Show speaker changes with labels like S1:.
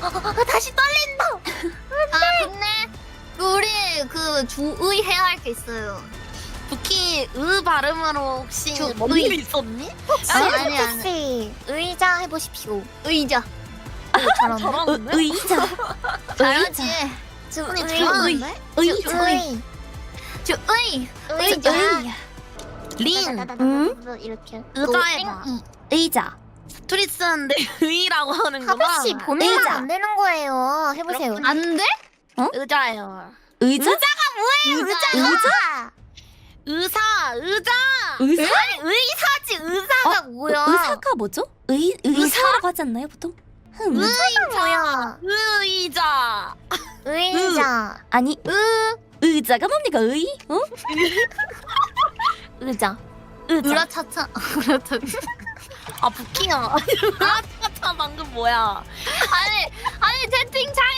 S1: 다시 떨린다. 아 근데 우리 그 주의 해야 할 게 있어요. 부키 발음으로 혹시 뭔 일 있었니? 아니
S2: 씨 의자 해보십시오.
S1: 의자. 잘하는데?
S2: 의자.
S1: 잘하지.
S2: 언니
S1: 잘하는데?
S2: 의자.
S1: 의자. 린.
S2: 이렇게.
S1: 의자 해봐.
S2: 의자.
S1: 둘이 쓰는데 의라고 하는구나.
S2: 하빈 씨 보내면
S1: 의자.
S2: 안 되는 거예요. 해보세요.
S1: 안 돼?
S2: 어?
S1: 의자예요.
S2: 의자?
S1: 뭐예요?
S2: 의자?
S1: 의자.
S2: 의사?
S1: 아니 의사지 의사가 뭐야?
S2: 의사가 뭐죠? 의사라고 하지 않나요 보통?
S1: 의자. 의자.
S2: 의자. 아니 의자가 뭡니까 의? 어? 의자.
S1: 으라차차. 아 부키야. 으라차차 방금 뭐야? 아니 채팅 잘